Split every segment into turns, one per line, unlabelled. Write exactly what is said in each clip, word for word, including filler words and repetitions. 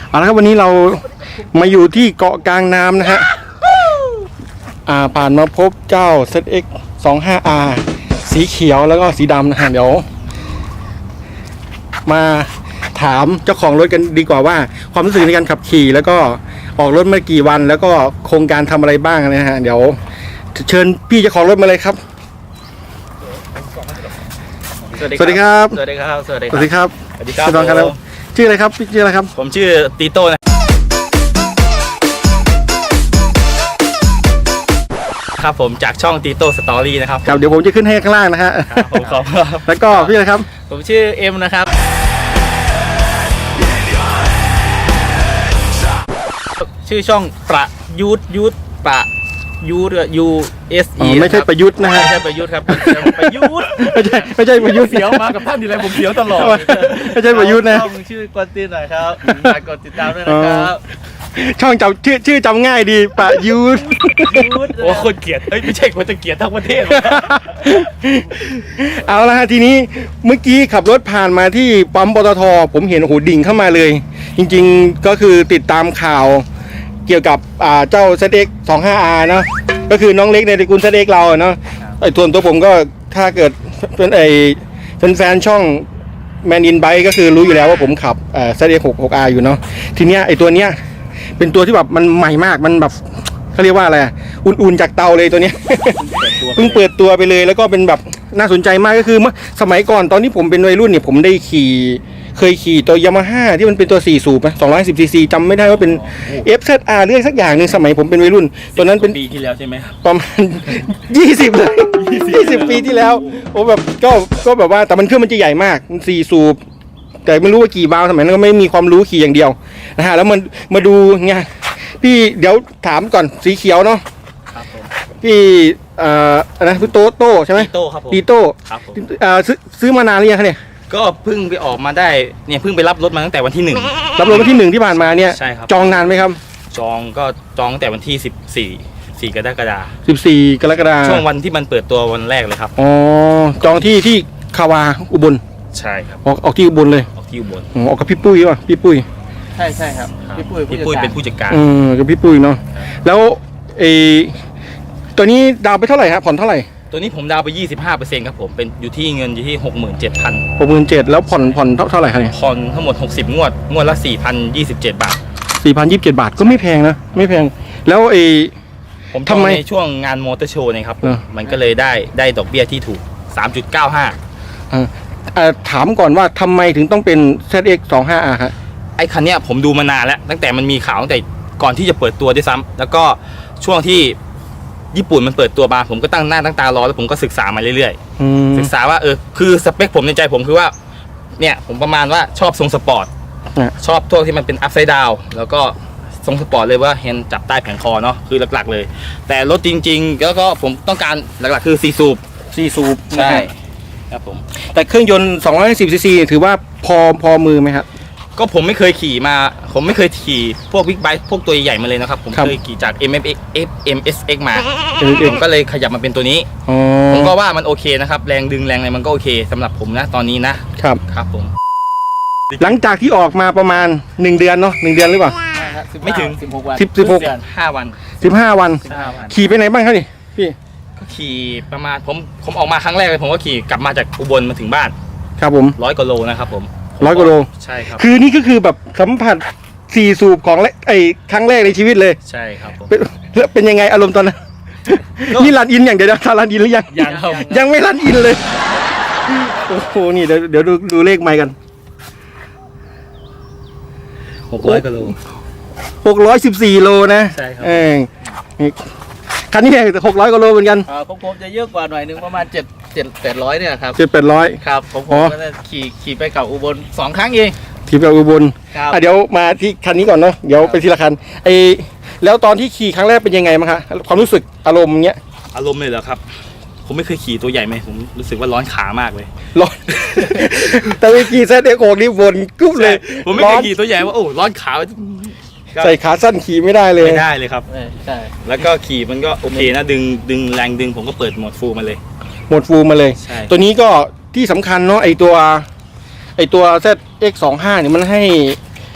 เอาละครับวันนี้เรามาอยู่ที่เกาะกลางน้ำนะฮะอ่าผ่านมาพบเจ้า เซด เอ็กซ์ สองห้า อาร์ สีเขียวแล้วก็สีดำนะฮะเดี๋ยวมาถามเจ้าของรถกันดีกว่าว่าความรู้สึกในการขับขี่แล้วก็ออกรถมากี่วันแล้วก็โครงการทำอะไรบ้างนะฮะเดี๋ยวเชิญพี่เจ้าของรถมาเลยครับ
สวัสดีครับ สวัสดีครับ
สวัสดีครับ สวัสดีครับ
สวัสดีครับ
ชื่ออะไรครับชื่ออะไรครับชื่ออะไรครับ
ผมชื่อตีโต้นะครับผมจากช่องตีโต้สตอรี่นะครับ
ครับเดี๋ยวผมจะขึ้นให้ข้างล่างนะฮะ
ผมขอบคุณ
แล้วก็พี่อะไรครับ
ผมชื่อเอ็มนะครับชื่อช่องประยุทธยุทธประยูทยูเอสอี
ไม่ใช่ประยุทธ์นะฮะ
ไม่ใช่ประยุทธ์ครับประยุทธ์
ไม่ใช่ไม่ใช่ประยุทธ์
เสียวมากับท่านอยู่แล้วผมเสียวตลอด
ไม่ใช่ประยุทธ์นะ
ช่องชื่อกดติดหน่อยครับฝากกดติดตามด้วยนะครับ
ช่องจำชื่อชื่อจำง่ายดีประยุทธ์
โอ้คนเกลียดเฮ้ยไม่ใช่คนจะเกลียดทั้งประเทศ
เอาละฮะทีนี้เมื่อกี้ขับรถผ่านมาที่ปั๊มปตท.ผมเห็นโอ้โหดิ่งเข้ามาเลยจริงๆก็คือติดตามข่าวเกี่ยวกับเจ้า เซด เอ็กซ์ สองห้า อาร์ เนาะก็คือน้องเล็กในตระกูล เซด เอ็กซ์ เราเนาะไอ้ส่วนตัวผมก็ถ้าเกิดเป็นไอ้เป็นแฟนช่องแมนอินไบค์ก็คือรู้อยู่แล้วว่าผมขับเอ่อ เซด เอ็กซ์ หกสิบหก อาร์ อยู่เนาะทีเนี้ยไอ้ตัวเนี้ยเป็นตัวที่แบบมันใหม่มากมันแบบเขาเรียกว่าอะไรอุ่นๆจากเตาเลยตัวเนี้ยเพิ่งเปิดตัวไปเลยแล้วก็เป็นแบบน่าสนใจมากก็คือเมื่อสมัยก่อนตอนที่ผมเป็นวัยรุ่นเนี่ยผมได้ขี่เคยขี่ตัวยามาฮ่าที่มันเป็นตัวสี่สูบนะสองร้อยสิบซีซีจำไม่ได้ว่าเป็น เอฟ แซด อาร์ เรื่องสักอย่างหนึ่งสมัยผมเป็นวัยรุ่นตัวนั้นเป็น
ปีที่แล้วใช่ไหม
ประมาณยี่สิบเลยยี่สิบปีที่แล้วโอ้แบบก็ก็แบบว่าแต่มันเครื่องมันจะใหญ่มากมันสี่สูบแต่ไม่รู้ว่ากี่บาล์วสมัยนั้นก็ไม่มีความรู้ขี่อย่างเดียวนะฮะแล้วมันมาดูไงพี่เดี๋ยวถามก่อนสีเขียวเนาะพี่เอ่ออะไรพี่โตโต้ใช่ไหม
ตีโต้ครับผม
ตีโต้
ครับผม
เอ่อซื้อซื้อมานานหรือยังคะเนี่ย
ก็เพิ่งไปออกมาได้เนี่ยเพิ่งไปรับรถมาตั้งแต่วันที่หนึ่ง
รับรถวันที่หนึ่งที่ผ่านมาเนี่ย
ใช่ครับ
จองนานไหมครับ
จองก็จองตั้งแต่วันที่สิบสี่สี่กรกฎาคม
สิบสี่กรกฎาคม
ช่วงวันที่มันเปิดตัววันแรกเลยครับ
อ๋อจองที่ที่คาวาอุบล
ใช่ครับ
ออกออกที่อุบลเลย
ออกที่อุบล
ออกกับพี่ปุ้ยป่ะพี่ปุ้ย
ใช่ใช่ครับพี่ปุ้ยพี่ปุ้ยเป็นผู้จัดการ
เออกับพี่ปุ้ยเนาะแล้วไอตัวนี้ดาวไปเท่าไหร่ครับผ่อนเท่าไหร่
ตัวนี้ผมดาวไป ยี่สิบห้าเปอร์เซ็นต์ ครับผมเป็นอยู่ที่เงินอยู่ที่ หกหมื่นเจ็ดพัน
หกหมื่นเจ็ดพัน แล้วผ่อนผ่อนเท่าไหร่ครับเนี่ย
ผ่อนทั้งหมดหกสิบงวดงวดละ สี่พันยี่สิบเจ็ด บาท
สี่พันยี่สิบเจ็ด บาทก็ไม่แพงนะไม่แพงแล้วไอ
ผมทำในช่วงงานมอเตอร์โชว์นี่ครับมันก็เลยได้ได้ดอกเบี้ยที่ถูก สามจุดเก้าห้า
อ่าถามก่อนว่าทำไมถึงต้องเป็น เซด เอ็กซ์ สองห้า อาร์ ครับ
ไอ้คันเนี้ยผมดูมานานแล้วตั้งแต่มันมีข่าวตั้งแต่ก่อนที่จะเปิดตัวด้วยซ้ำแล้วก็ช่วงที่ญี่ปุ่นมันเปิดตัวมาผมก็ตั้งหน้าตั้งตารอแล้วผมก็ศึกษามาเรื่อยๆศึกษาว่าเออคือสเปคผมในใจผมคือว่าเนี่ยผมประมาณว่าชอบทรงสปอร์ตชอบทั่วที่มันเป็นอัพไซด์ดาวแล้วก็ทรงสปอร์ตเลยว่าเห็นจับใต้แผงคอเนาะคือหลักๆเลยแต่รถจริงๆแล้วก็ผมต้องการหลักๆคือสี่สูบ
สี่สูบ
ใช่ครับผม
แต่เครื่องยนต์สองร้อยสิบซีซีถือว่าพอพอมือไหมครับ
ก็ผมไม่เคยขี่มาผมไม่เคยขี่พวกบิ๊กไบค์พวกตัวใหญ่มาเลยนะครับผมเคยขี่จาก เอ็ม เอฟ เอ็กซ์ เอ็ม เอส เอ็กซ์ มาผมก็เลยขยับมาเป็นตัวนี้ผมก็ว่ามันโอเคนะครับแรงดึงแรงอะไรมันก็โอเคสำหรับผมนะตอนนี้นะครับครับผม
หลังจากที่ออกมาประมาณหนึ่งเดือนเนาะหนึ่งเดือนหรือเปล่า
ไม่ถึงสิบหกวัน
สิบสิบหก
ห้าวัน
สิบห้าวันขี่ไปไหนบ้างครับนี่พี่
ก็ขี่ประมาณผมผมออกมาครั้งแรกเลยผมก็ขี่กลับมาจากอุบลมาถึงบ้าน
ครับผม
ร้อยกว่าโลนะครับผม
ร้อยกว่าโล
ใช่ครับ
คือนี่ก็คือแบบสัมผัสสี่สูบของไอ้ครั้งแรกในชีวิตเลย
ใช่ครับผม
แล้วเป็นยังไงอารมณ์ตอนนั้นนี่รันอินอย่างเดียวนะรันอินหรือยัง
ยัง
ยังไม่รันอินเลยโอ้โหนี่เดี๋ยวเดี๋ยวดูดูเลขไมค์กัน
หกร้อยกิโล
หกร้อยสิบสี่โลนะ
ใช่ครับ
เออคันนี้หกร้อยกิโลเหมือนกัน
อ่าผมผมจะเยอะกว่าหน่อยนึงประมาณเจ็ดเจ็ดแปดร้อยเนี่ยครับ
เจ็ดแปดร้อย
ครับผมผมก็ขี่ขี่ไปกับอุบลสองครั้งเอง
ขี่ไปอุบลเดี๋ยวมาที่คันนี้ก่อนเนาะเดี๋ยวไปทีละคันไอแล้วตอนที่ขี่ครั้งแรกเป็นยังไงมั้งคะความรู้สึกอารมณ์เงี้ย
อารมณ์เลยเหรอครับผมไม่เคยขี่ตัวใหญ่ไหมผมรู้สึกว่าร้อนขามากเลย
ร้อนแต่ไปขี่เซดเอ็กซ์ หกนี่บนกุ๊บเลย
ผมไม่เคยขี่ตัวใหญ่ว่าโอ้ร้อนขา
ใส่ขาสั้นขี่ไม่ได้เลย
ไม่ได้เลยครับใช่แล้วก็ขี่มันก็โอเคนะดึงดึงแรงดึงผมก็เปิดโหมดฟูลมาเลย
โหมดฟูลมาเลยตัวนี้ก็ที่สำคัญเนาะไอตัวไอตัว เซด เอ็กซ์ สองห้า เนี่ยมันให้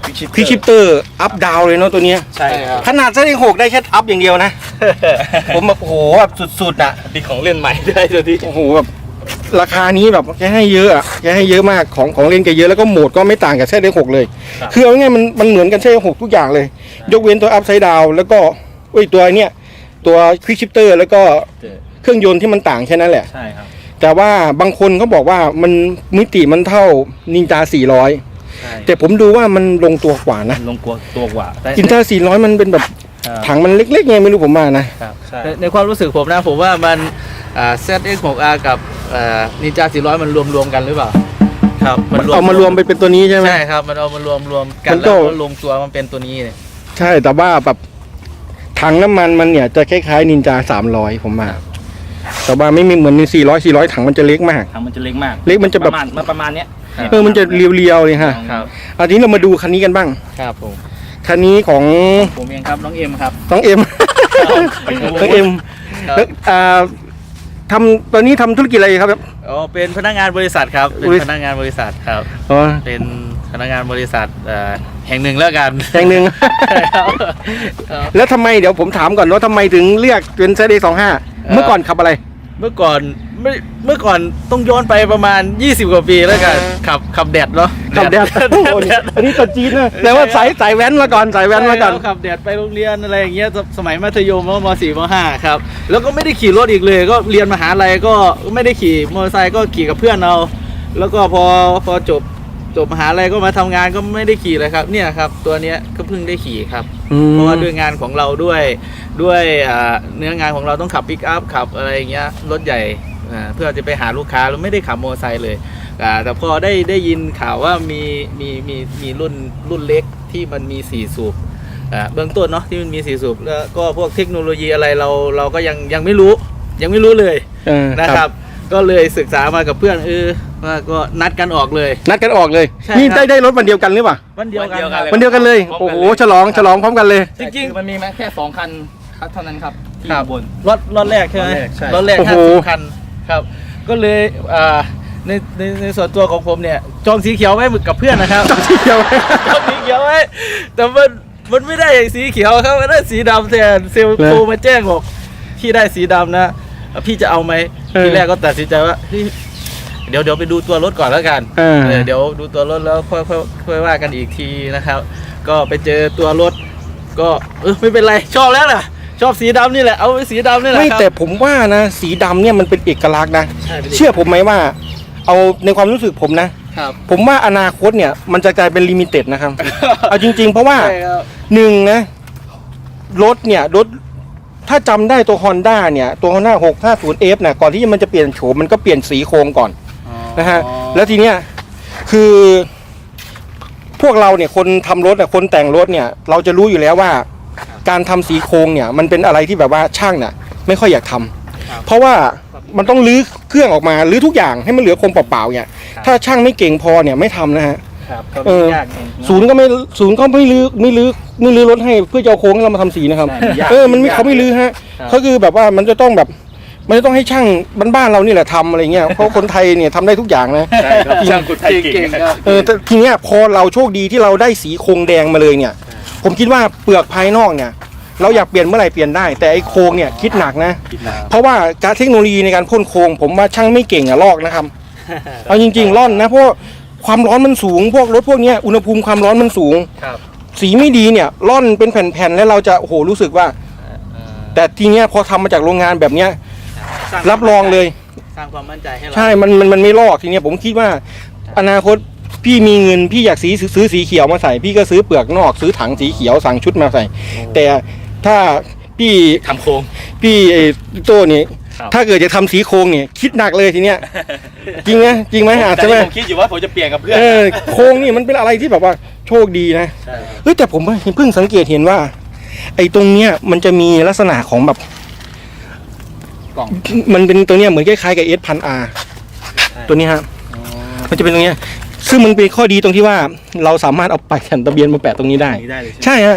ควิกชิปเตอร์อัพดาวเลยเนาะตัวเนี้ย
ใช่ครับ
ขนาดเซตหกได้แค่อัพอย่างเดียวนะ ผมแบบโอ้โหแบบสุดๆอ่ะ
มีของเล่นใหม่ด้วยตัวที่
โอ้โหแบบราคานี้แบบแกให้เยอะอ่ะแกให้เยอะมากของของเล่นแกเยอะแล้วก็โหมดก็ไม่ต่างกับเซตหกเลย คือเอาง่ายๆมันมันเหมือนกันเซตหกทุกอย่างเลย ยกเว้นตัวอัพไซด์ดาวแล้วก็เอ้ยตัวเนี้ยตัวควิกชิปเตอร์แล้วก็เครื่องยนต์ที่มันต่างแค่นั้นแหละ
ใช่ครับ
แต่ว่าบางคนเขาบอกว่ามันมิติมันเท่านินจาสี่ร้อย
ใช่
แต่ผมดูว่ามันลงตัวกว่านะ
ลงกลัวตัวกว่าแต่
นินจาสี่ร้อยมันเป็นแบบถังมันเล็กๆไงไม่รู้ผมมานะ
ครับใช่
ในในความรู้สึกผมนะผมว่ามันเซตเอ็กซ์หกอาร์กับนินจาสี่ร้อยมันรวมรวมๆกันหรือเปล่าครับ
เอามารวมไปเป็นตัวนี้ใช่ไหม
ใช่ครับมันเอามารวมรวมกั
มัน น
แล้
ก็
วก็ลงตัวมันเป็นตัวนี้เลย
ใช่แต่ว่าแบบถังน้ำมันมันเนี่ยจะคล้ายๆนินจาสามร้อยผมมาแต่ว่าไม่มีเหมือนสี่ร้อยสี่ร้อยถังมันจะเล็กมาก
ถังมันจะเล็กมาก
เล็กมันจะแบบ
ประมาณมันประมาณเนี้ย
เออมันจะเรียวๆเลยฮะ
ครับ
เอาทีนี้เรามาดูคันนี้กันบ้าง
ครับผม
คันนี้ของ
ผมเองครับน้องเอ็มครับ
น้องเอ็ม
ไปดู
น้องเอ็ม
ครับ
แล้วอ่าทำตอนนี้ทำธุรกิจอะไรครับ
อ๋อเป็นพนักงานบริษัทครับเป็น
บริษัท
พนักงานบริษัทครับ
อ๋อ
เป็นพนักงานบริษัทเอ่อแห่งหนึ่งแล้วกัน
แห่งหนึ่ง
ครับครับ
แล้วทำไมเดี๋ยวผมถามก่อนว่าทำไมถึงเรียกเป็นเซตเอสองห้าเมื่อก่อนขับอะไร
เมื่อก่อนไม่เมื่อก่อนต้องย้อนไปประมาณยี่สิบกว่าปีแล้วกันขับขับแดดเนาะ
ขับแดดโอ้โหอันนี้ตัวจีนนะแต่ว่าสายสายแว้นมาก่อนสายแว้นมาก่อน
ใช่ครับขับแดดไปโรงเรียนอะไรอย่างเงี้ยสสมัยมัธยมมมสี่มห้าครับแล้วก็ไม่ได้ขี่รถอีกเลย ก็เรียนมหาลัยก็ไม่ได้ขี่มอเตอร์ไซค์ก็ขี่กับเพื่อนเอาแล้วก็พอพอจบจบมหาลัยก็มาทำงานก็ไม่ได้ขี่เลยครับเนี่ยครับตัวเนี้ยก็เพิ่งได้ขี่ครับ
อืม
เพราะว่าด้วยงานของเราด้วยด้วยอ่าเนื้องานของเราต้องขับปิกอัพขับอะไรอย่างเงี้ยรถใหญ่อ่าเพื่อจะไปหาลูกค้าเราไม่ได้ขับมอเตอร์ไซค์เลยอ่าแต่พอได้ได้ยินข่าวว่ามีมีมีมีรุ่นรุ่นเล็กที่มันมีสี่สูบอ่าเบื้องต้นเนาะที่มันมีสี่สูบแล้วก็พวกเทคโนโลยีอะไรเราเราก็ยังยังไม่รู้ยังไม่รู้เลย
เออ
นะครับ ก็เลยศึกษามากับเพื่อนเออว่าก็นัดกันออกเลย
นัดกันออกเลย
ใช่
นี่
ครับ
ได้ได้รถวันเดียวกันหรือเปล่า
วันเดียวกันครับ
วันเดียวกันเลย โอ้โหฉลองฉลองพร้อมกันเลย
จริงๆมันมีมาแค่สองคันครับเท่านั้นครับที่
ครับ
บน
รถรถแรกใช่ไหม
รถแรกใช่
รถแรก
โอ้โห
ห้าสิบคันครับ ก็เลยอ่าในในในส่วนตัวของผมเนี่ยจองสีเขียวไว้กับเพื่อนนะครับ
จองสีเขียว
จองสีเขียวไว้แต่มันมันไม่ได้สีเขียวครับมันได้สีดำแทนเซลล์โทรมาแจ้งบอกพี่ได้สีดำนะพี่จะเอาไหม
เออ
ทีแรกก็ตัดสินใจว่าเฮ้ยเดี๋ยวเดี๋ยวไปดูตัวรถก่อนแล้วกัน
เออ
เออเดี๋ยวดูตัวรถแล้วค่อยค่อยค่อยว่ากันอีกทีนะครับ ก็ไปเจอตัวรถ ก็เออไม่เป็นไรชอบแล้วล่ะ ชอบสีดำนี่แหละเอาไปสีดำนี่แหละ
ไม่
ครับ
แต่ผมว่านะ สีดำเนี่ยมันเป็นเอกลักษณ์นะ
ใช่ไปดิ
เชื่อผมไหมว่า เอาในความรู้สึกผมนะ
ครับ
ผมว่าอนาคตเนี่ยมันจะกลายเป็นลิมิเต็ดนะครับ เอาจริง ๆ เพราะว่า
ใช่ครับ
หนึ่งนะ รถเนี่ยรถถ้าจำได้ตัว Honda เนี่ยตัว Honda หกห้าศูนย์ เอฟ นะก่อนที่มันจะเปลี่ยนโฉมมันก็เปลี่ยนสีโครงก่อน นะฮะแล้วทีเนี้ยคือพวกเราเนี่ยคนทำรถอ่ะคนแต่งรถเนี่ยเราจะรู้อยู่แล้วว่า การทำสีโครงเนี่ยมันเป็นอะไรที่แบบว่าช่างน่ะไม่ค่อยอยากทำ
ครับ
เพราะว่ามันต้องรื้อเครื่องออกมารื้อทุกอย่างให้มันเหลือโครงเปล่าๆเนี่ยถ้าช่างไม่เก่งพอเนี่ยไม่ทำนะฮะ
ครับก็
เออ
ยากจริง
ศูนย์ก็ไม่ศูนย์ก็ไม่รื้อไม่รื้อไม่รื้อรถให้เพื่อจะเอาโค้งให้เรามาทำสีนะครับ
ใช่ยาก
เออมันไม่
ยาก
เขาไม่รื้อฮะ
ครับ
เขาคือแบบว่ามันจะต้องแบบมันจะต้องให้ช่างบ้านๆเรานี่แหละทำอะไรเงี้ยเพราะคนไทยเนี่ยทำได้ทุกอย่างนะ
ใช่ครับช่างคนไทยเก่ง
ครับ
เออแต่ทีเนี้ยพอเราโชคดีที่เราได้สีโครงแดงมาเลยเนี่ย ผมคิดว่าเปลือกภายนอกเนี่ย เราอยากเปลี่ยนเมื่อไหร่เปลี่ยนได้ แต่ไอ้โครงเนี่ยคิดหนักนะ
คิดนะ
เพราะว่าการเทคโนโลยีในการพ่นโครงผมว่าช่างไม่เก่งอะลอกนะครับ เอาจริงๆร่อนนะเพราะความร้อนมันสูง พวกรถพวกเนี้ยอุณหภูมิความร้อนมันสูง
ครับ
สีไม่ดีเนี่ยร่อนเป็นแผ่นๆแล้วเราจะโอ้โหรู้สึกว่า แต่ทีเนี้ยพอทำมาจากโรงงานแบบเนี้ย
สา
รับรองเลย
สร้างความมั่นใจให้เรา
ใช่ มัน มัน มันไม่ลอกทีเนี้ยผมคิดว่าอนาคตพี่มีเงินพี่อยากสีซื้อสีเขียวมาใส่ พี่ก็ซื้อเปลือกนอกซื้อถังสีเขียวสั่งชุดมาใส่ แต่ถ้าพี่
ทำโครง
พี่ไอ้โต้นี่
ครับ
ถ้าเกิดจะทำสีโครงเนี่ยคิดหนักเลยทีเนี้ย จริงไหมจริงไหมอาจ
แต่
จะไหม
ผมคิดอยู่ว่าผมจะเปลี่ยนกับเพื่อน
เออโครงนี่มันเป็นอะไรที่แบบว่าโชคดีนะ
ใช่ครับ
เฮ้ยแต่ผมเพิ่งสังเกตเห็นว่า ไอ้ตรงเนี้ยมันจะมีลักษณะของแบบ
กล่อง
มันเป็นตัวเนี้ยเหมือนคล้ายๆกับเอสพันอาร์ตัวนี้ฮะ
อ๋อ
มันจะเป็นตรงเนี้ยซึ่งมันเป็นข้อดีตรงที่ว่าเราสามารถเอาไปายแผ่นทะเบียนมาแปะตรงนี้ได้
นี่ได้เลยใช่ไหม
ใช่ฮะ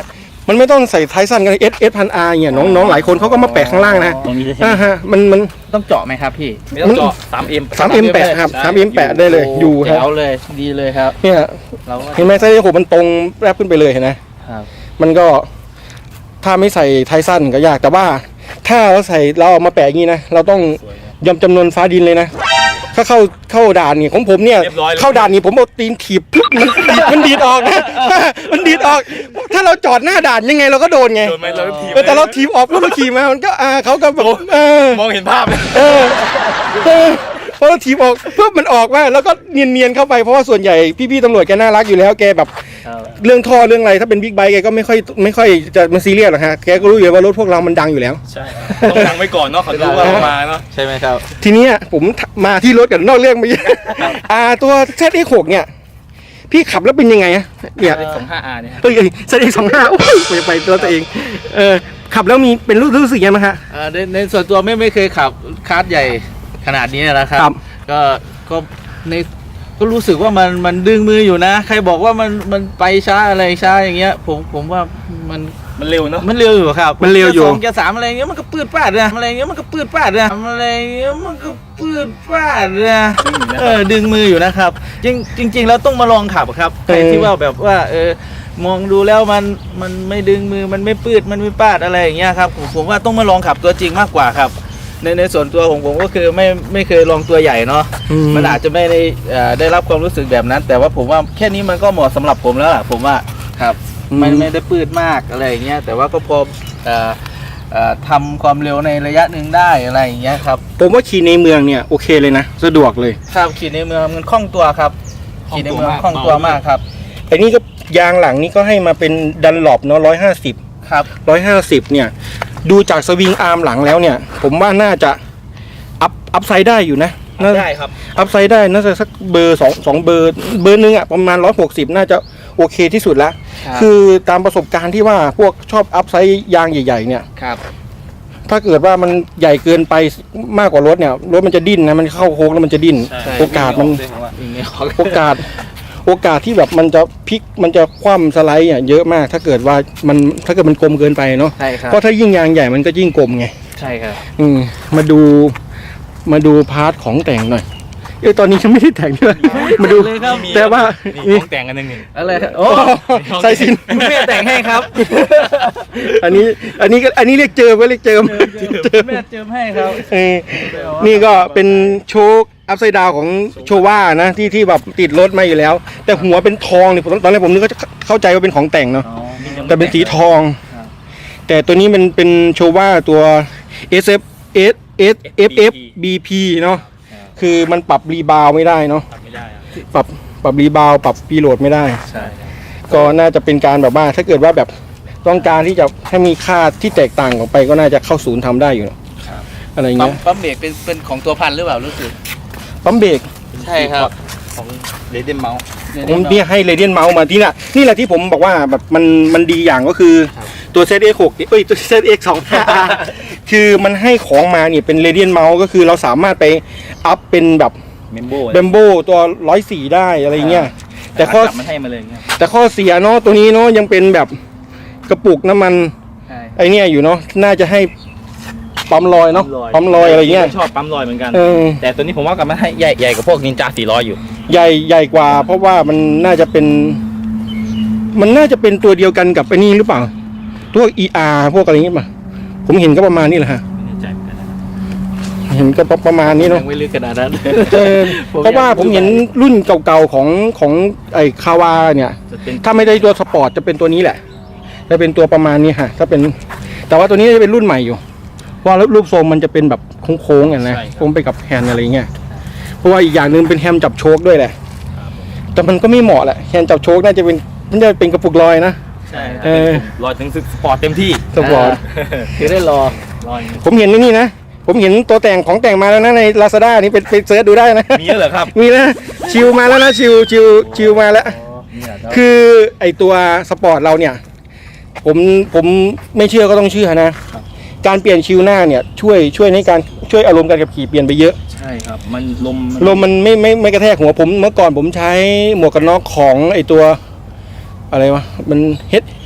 มันไม่ต้องใส่ท้ายสั้นกันเอสเอสพันอาร์เนี่ยน้องน้องหลายคนเขาก็มาแปะข้างล่างนะ
ตรงนี้เลยใช่
อ่า
ไหม
ฮะมันมัน
ต้องเจาะไหมครับพี่
ไม่ต้องเจาะสามเอ็ม
สามเอ็มแปะครับสามเอ็มแปะได้เลยอยู่ค
แจ๋
รับ
วเลยดีเลยครับ
เนี่ย
เราก็
เห็นไหมไส้โหมันตรงแรบขึ้นไปเลยเห็นไหม
ครับ
มันก็ถ้าไม่ใส่ท้ายสั้นก็ยากแต่ว่า ถ้าเราใส่เราเอามาแปะอย่างนี้นะเราต้องยอมจำนวนฟ้าดินเลยนะถ้าเข้าเข้าด่านนี่ของผมเนี่ย
เรียบร้อยเลย
เข้าด่านนี่ผมเอาตีนถีบปุ๊บมันดีดมันดีดออกนะ มันดีดออก ถ้าเราจอดหน้าด่านยังไงเราก็โดนไง
โดนไหมเราทีม
เออแต่เราถีบออกปุ๊บเราขี่มามันก็อ่าเขาก็แบบเออ
มองเห็นภาพเลย
เออเออพอเราถีบออกปุ๊บมันออกมาแล้วก็เนียนๆเข้าไปเพราะว่าส่วนใหญ่พี่ๆตำรวจแกน่ารักอยู่แล้วแกแบบ
ครับ
เรื่องท่อเรื่องอะไรถ้าเป็นบิ๊กไบค์แกก็ไม่ค่อยไม่ค่อยจะมาซีเรียสหรอกฮะแกก็รู้อยู่ว่ารถพวกเรามันดังอยู่แล้ว
ใช่ต้องดังไว้ก่อนเนาะเขารู้ว่าเรามาเนาะ
ใช่ไหมครับ
ทีเนี้ยผมมาที่รถกันนอกเรื่องไปเยอะอ่าตัว แซด เอ็กซ์ หก เนี่ย พี่ขับแล้วเป็นยังไงอะเนี่ย
สองห้าอาร์เนี่ยครับ
เอ้ย แซด เอ็กซ์ สองห้าโอ้ยไปไปตัวตัวเองเออขับแล้วมีเป็นรู้รู้สึกยังไงบ้างฮะ
อ่าในในส่วนตัวไม่ไม่เคยขับคาร์ทใหญ่ขนาดนี้นะครับ
ครับ
ก็ก็ในก็รู้สึกว่ามันมันดึงมืออยู่นะ ใครบอกว่ามันมันไปช้าอะไรช้าอย่างเงี้ย ผมผมว่ามัน
มันเร็วเนาะ
มันเร็วอยู่ครับ
มันเร็วอยู่
กีร์สองเกียร์สามอะไรเงี้ยมันก็ปืดปาดนะอะไรเงี้ยมันก็ปืดปาดนะอะไรเงี้ยมันก็ปืดปาดนะเออดึงมืออยู่นะครับ จริงจริง ๆ แล้วต้องมาลองขับครับใครที่ว่าแบบว่าเออมองดูแล้วมันมันไม่ดึงมือมันไม่ปืดมันไม่ปาดอะไรอย่างเงี้ยครับผมผมว่าต้องมาลองขับตัวจริงมากกว่าครับ ในในส่วนตัวของผมก็คือไม่ไม่เคยลองตัวใหญ่เนาะ มันอาจจะไม่ได้เอ่อได้รับความรู้สึกแบบนั้น แต่ว่าผมว่าแค่นี้มันก็เหมาะสำหรับผมแล้วล่ะผมว่าครับมันไม่ได้ปืดมากอะไรอย่างเงี้ยแต่ว่าก็พอเอ่อเอ่อทำความเร็วในระยะหนึ่งได้อะไรอย่างเงี้ยครับ
ผมว่าขี่ในเมืองเนี่ยโอเคเลยนะสะดวกเลย
ครับขี่ในเมืองมันคล่องตัวครับขี่ในเมืองคล่องตัวมากครับ
ไอ้นี่ก็ยางหลังนี่ก็ให้มาเป็นดันหลบเนาะร้อยห้าสิบ
ครับ
ร้อยห้าสิบเนี่ย ดูจากสวิงอาร์มหลังแล้วเนี่ย ผมว่าน่าจะอัพอัพไซด์ได้อยู่นะน่า
ได้ครับ
อัพไซด์ได้น่าจะสักเบอร์สองสองเบอร์เบอร์หนึ่งอะประมาณร้อยหกสิบน่าจะโอเคที่สุดแล้ว
ครับ
คือตามประสบการณ์ที่ว่าพวกชอบอัพไซด์ยางใหญ่ๆเนี่ย
ครับ
ถ้าเกิดว่ามันใหญ่เกินไปมากกว่ารถเนี่ยรถมันจะดิ้นนะมันเข้าโค้งแล้วมันจะดิ้น
ใช่
โอกาสมัน
อย่างเงี้ย
โอกาสโอกาสที่แบบมันจะพลิกมันจะคว่ำสไลด์อ่ะเยอะมาก ถ้าเกิดว่ามันถ้าเกิดมันกลมเกินไปเนาะ
ใช่ครับ
เพราะถ้ายิ่งยางใหญ่มันก็ยิ่งกลมไง
ใช่ครับ
อืมมาดูมาดูพาร์ทของแต่งหน่อยเอ้ยตอนนี้ยังไม่ได้แต่งด้วยมาดู
เลยครับ
แต่ว่า
นี่
นี่
ของแต่งกันหนึ่งหนึ่ง
อะไรครับโอ้
ใส่สิน
แม่แต่งให้ครับ
อันนี้อันนี้ก็อันนี้เรียกเจิมก็เรียกเจิมเจิม
แม่เจิมให้ครับ
เออนี่ก็เป็นโชคอัพไซด์ดาวของโชว่านะที่ที่แบบติดรถมาอยู่แล้ว แต่หัวเป็นทองเนี่ยผมตอนแรกผมนึกว่าจะเข้าใจว่าเป็นของแต่งเนาะ แต่เป็นสีทอง
ครับ
แต่ตัวนี้มันเป็นโชว่าตัว เอส เอฟ S S F F B P เนาะ คือมันปรับรีบาวไม่ได้เนาะ
ทำไม่ได้อะ
ปรับปรับรีบาวปรับปีโหลดไม่ได้
ใช่ครับ
ก็น่าจะเป็นการแบบว่าถ้าเกิดว่าแบบต้องการที่จะให้มีค่าที่แตกต่างออกไปก็น่าจะเข้าศูนย์ทำได้อยู่เนอะ
ครับ
อะไร
ปั๊
เงี้
ม
ย
ปั๊มเบรกเป็นเป็นของตัวพันหรือเปล่ารู้สึก
ปั๊มเบรก
ใช่ครับ
ของเรเดนเมาส์
ผมเนี่ยให้เรเดียนเมาส์มาที่น่ะนี่แหละที่ผมบอกว่าแบบมันมันดีอย่างก็คือ
ครับ
ตัว แซด เอ็กซ์ หก เอ้ยตัว แซด เอ็กซ์ สองห้า อาร์ คือมันให้ของมาเนี่ยเป็นเรเดียนเมาส์ก็คือเราสามารถไปอัพเป็นแบบ
เมมโบ
เบมโบตัวร้อยสี่ได้อะไรเงี้ยแต่ข้อ
มันให้มาเลยเงี้ย
แต่ข้อเสียเนาะตัวนี้เนาะยังเป็นแบบกระปุกน้ำมัน
ใช่
ไอเนี่ยอยู่เนาะน่าจะให้ปั๊มลอยเนาะปั๊มลอยอะไรเงี้ย
ชอบปั๊มลอยเหมือนกัน
เออ
แต่ตัวนี้ผมว่ากับมันให้ใหญ่ใหญ่กว่าพวกนินจาสี่ร้อยอยู่
ใหญ่ใหญ่กว่า เพราะว่ามันน่าจะเป็น มันน่าจะเป็นตัวเดียวกันกับไอ้นี่หรือเปล่าพวก อี อาร์ พวกอะไรเงี้ยป่ะผมเห็นก็ประมาณนี้แหละฮะ
ไม่แน่ใจเหมือนกันนะ
เห็นก็ประมาณนี้เนาะ
ยังไม่ลึกขนาดนั้น
เออ
ผม
เพราะว่า
อยากรู้
ผมเห็นรุ่นเก่าๆของของไอ้คาวาเนี่ย
จะเป็น
ถ้าไม่ได้ตัวสปอร์ตจะเป็นตัวนี้แหละจะเป็นตัวประมาณนี้ฮะถ้าเป็น แต่ว่าตัวนี้จะเป็นรุ่นใหม่อยู่เพราะว่ารูปทรงมันจะเป็นแบบโค้งๆอย่างนะโค้งไปกับแฮนด์อะไรเงี้ยเพราะว่าอีกอย่างหนึ่งเป็นแฮนด์จับโชคด้วยแหละแต่มันก็ไม่เหมาะแหละแฮนด์จับโชคน่าจะเป็นมันจะเป็นกระปุกลอยนะ
ใช่
เออ
ลอยถึงสปอร์ตเต็มที่
สปอร์ต
คือได้รอ
ลอย
ผมเห็นในนี่นะผมเห็นตัวแต่งของแต่งมาแล้วนะใน Lazada นี่ไปไปเสิร์ชดูได้นะ
มีแล้วเหรอครับ
มีนะชิวมาแล้วนะชิวชิวชิวมาแล้ว คือไอตัวสปอร์ตเราเนี่ย ผมผมไม่เชื่อก็ต้องเชื่อนะ การเปลี่ยนชิวหน้าเนี่ยช่วยช่วยในการช่วยอารมณ์การขับขี่เปลี่ยนไปเยอะ
ใช่ครับ มันลม
ลมมันไม่ไม่ไม่กระแทกหัวผมเมื่อก่อนผมใช้หมวกกันน็อกของไอตัวอะไรวะมันเฮด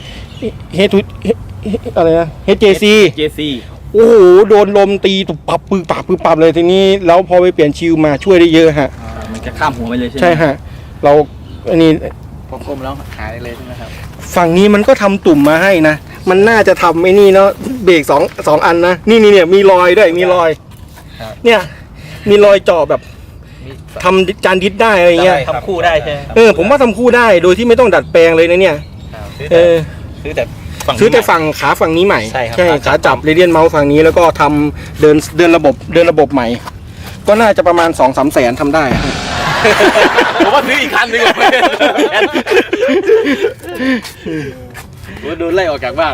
เฮทูอะไรนะ เอช เจ ซี
เจ ซี
โอ้โหโดนลมตีตุบปับปือปับปือปับเลยทีนี้แล้วพอไปเปลี่ยนชิลมาช่วยได้เยอะฮะ
มันจะข้ามหัวไปเลยใช่ไหม
ใช่ฮะเราอันนี้
พอกลมแล้วหายเลยใช่ไหมครับ
ฝั่งนี้มันก็ทำตุ่มมาให้นะมันน่าจะทำไอ้นี่เนาะเบรกสองสองอันนะนี่นี่เนี่ยมีรอยด้วยมีรอย
ครับ
เนี่ยมีรอยเจาะแบบ
มี
ทำจานดิสได้อะไรเงี้ย
ทำคู่ได้ใช่ไหมครับ
เออผมว่าทำคู่ได้โดยที่ไม่ต้องดัดแปลงเลยนะเนี่ย
ครับซื้อ
เอ
แต่
อ
ซื้อแต่
ฝั่ง
ซื้อแต่ฝั่งขาฝั่งนี้ใหม่
ใช่ครับ
ขาจับเรเดียนเมาส์ฝั่งนี้แล้วก็ทำเดินเดินระบบเดินระบบใหม่ ก็น่าจะประมาณ สองสามแสนทำได้อะ
ผมว่าซื้ออีกคันหนึงอะ
โอ้โดนไล่ออกจากบ้าน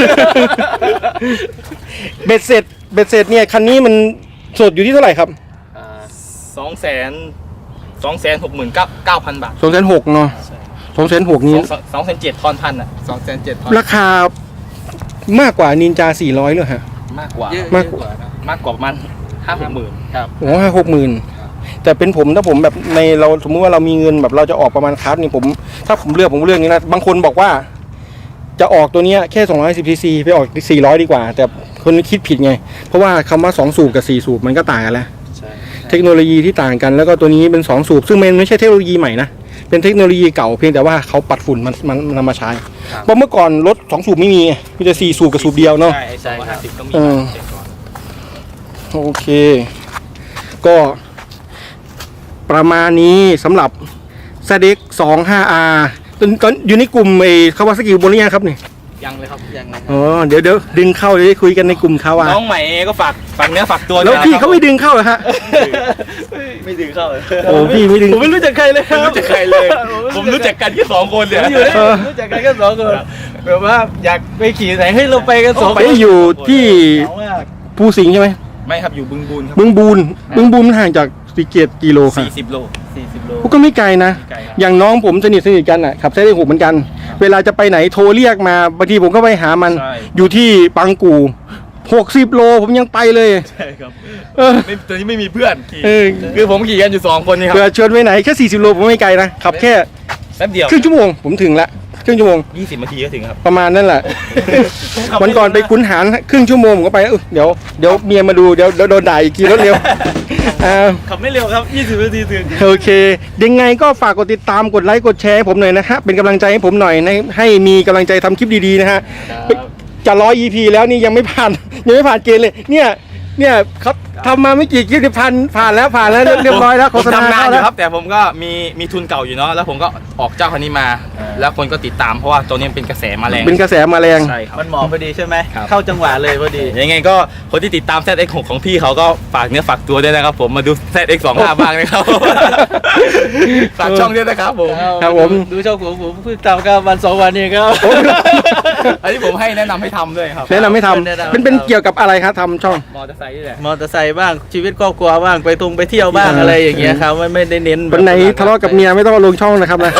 เบ็ดเสร็จเบ็ดเสร็จเนี่ยคันนี้มันสดอยู่ที่เท่าไหร่ครับ
สองแสนสองแสนหกหมื่นเก้าเก้าพันบาท
สองแสนหกเนาะสองแสนหกนี้
สองแสนเจ็ดทอนพันอ่ะ
สองแสนเจ็ดพัน
ราคามากกว่านินจาสี่ร้อยเลยฮะ
มากกว่า
เยอะ
มาก
เยอะกว่านะ
มากกว่าประมันห้าหกหมื่น
ครับ
โอ้ห้าหกหมื่นแต่เป็นผมถ้าผมแบบในเราสมมติว่าเรามีเงินแบบเราจะออกประมาณคัสนี่ผมถ้าผมเลือกผมก็เลือกนี้นะบางคนบอกว่า จะออกตัวเนี้ยแค่สองร้อยสิบซีซีไปออกสี่ร้อยดีกว่า แต่คนคิดผิดไง เพราะว่าคำว่าสองสูบกับสี่สูบมันก็ต่างกันแล้ว
ใช่
เทคโนโลยีที่ต่างกันแล้วก็ตัวนี้เป็นสองสูบซึ่งมันไม่ใช่เทคโนโลยีใหม่นะเป็นเทคโนโลยีเก่าเพียงแต่ว่าเขาปัดฝุ่นมันมันนำมาใช้เพราะเมื่อก่อนรถสองสูบไม่มีไงมีแต่สี่สูบกับสูบเดียวเนาะ
ใช่ใช่ครับก็มี
เออ โอเค ก็ประมาณนี้สำหรับ แซด เอ็กซ์ สองห้า อาร์ ตอนตอนอยู่ในกลุ่มไอ้คาวาซากิบนหรือยังครับนี่
ยังเลยครับ
ยังไง
อ๋อเดี๋ยวเดี๋ยวดึงเข้าเดี๋ยวได้คุยกันในกลุ่มคาวา
น้องใหม่ก็ฝากฝากเนื้อฝากตัว
แล้ว
ด้วยนะ
พี่
ครับ
เขาไม่ดึงเข้าเหรอฮะ
ไม่ดึงเข้าเลย
โอ้พี่ไม่ดึง
ผมไม่รู้จักใครเลยครับ
ไม่รู้จักใครเลย ผมรู้จักกันแค่สองคนเนี่ย
ผมอยู่ได้รู้จักกันแค่สองคนแบบว่าอยากไปขี่ไหนให้เราไปกันสอง
ไปอยู่ที่
เหงามาก
ภูสิงห์ใช่ไหม
ไม่ครับอยู่บึงบูนครับ
บึงบูนบึงบูนมันห่างจากสีเกตกิโลครับ
สี่สิบโล
สี่สิบโล
ก็ไม่ไกลนะ
ไม่ไกลครับ
อย่างน้องผมสนิทสนิทกันอ่ะขับแซด เอ็กซ์ หกเหมือนกัน เวลาจะไปไหนโทรเรียกมาบางทีผมก็ไปหามัน
ใช่
อยู่ที่ปังกูหกสิบโลผมยังไปเลย
ใช่ครับ
เออ
ไม่ตอนนี้ไม่มีเพื่อนขี่
เออ
คือผมขี่กันอยู่สองคนนี่ครั
เผื่อบ ชวนไปไหนแค่สี่สิบโลผมไม่ไกลนะขับแค่
แป๊บเดียว
ครึ่งชั่วโมงผมถึงละครึ่งชั่วโมง
ยี่สิบนาทีก็ถึงครับ
ประมาณนั่นแหละ วันก่อนไปคุ้นหารครึ่งชั่วโมงผมก็ไปเออเดี๋ยวเดี๋ยวเมียมาดูเดี๋ยวเดี๋ยวโดนด่าอีกกี่รถเร็ว อ่า
ขับไม่เร็วครับยี่สิบนาทีถึง
โอเค ยังไงก็ฝากกดติดตามกดไลค์กดแชร์ให้ผมหน่อยนะฮะเป็นกำลังใจให้ผมหน่อยในให้มีกำลังใจทำคลิปดีๆนะฮะจะร้อย อี พี แล้วนี่ยังไม่ผ่าน ยังไม่ผ่านเกณฑ์เลย เนี่ยเนี่ยเขาทำมาไม่กี่คลิปที่ผ่านผ่านแล้วผ่านแล้วเรียบร้อยแล้วโฆ
ผม
ษณา
ทำงาน
เข้า
อ
แล้
ยู่
ว
ครับ แต่ผมก็มีมีทุนเก่าอยู่เนาะแล้วผมก็ออกเจ้าคันนี้มา แล้วคนก็ติดตามเพราะว่าตัวนี้เป็นกระแสมาแรง
เป็นกระแสมาแรง
ใช่ครับ
มันเหมาะพอดีใช่ไหม
ครับ
เข้าจังหวะเลยพอดี
ยังไงก็คนที่ติดตาม แซด เอ็กซ์ หกของพี่เขาก็ฝากเนื้อฝากตัวด้วยนะครับผมมาดู แซด เอ็กซ์ สองห้า บ้างนะครับ ฝากช่องด้วยนะครับผม
ครับผม
ดูช่องผมผมเพิ่งทำกันวันสองวันนี้ครับ
อันนี้ผมให้แนะนำให้ทำด้วยครับ
แนะนำไม่ท
แนะนำ
ำเป็นเป็นเกี่ยวกับอะไรครับทำช่อง
มอเตอร์ไซค์นี่แหละ
มอเตอร์ไซค์บ้างชีวิตครอบครัวบ้างไปทงไปเที่ยวบ้าง
อ่า
อะไรอย่างเงี้ยครับไม่ไม่ได้เน้นแบบ
วันไหนทะเลาะกับเมียไม่ต้องเอาลงช่องนะครับนะ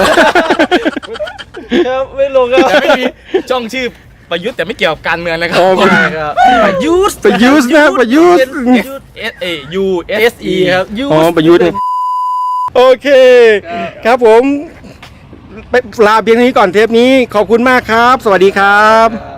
ครับไม่ลงครับ
แต่ไม่มีช่องชื่อประยุทธ์แต่ไม่เกี่ยวกับการเมืองนะครับ
อ๋อ
ใช่ครับประยุทธ์
ประยุทธ์นะประยุทธ์
S A U
S E ครับยุทธ์
อ๋อประยุทธ์เนี่ยโอเค ครับผมไปลาเพียงเท่านี้ก่อนเทปนี้ขอบคุณมากครับ สวัสดีครับ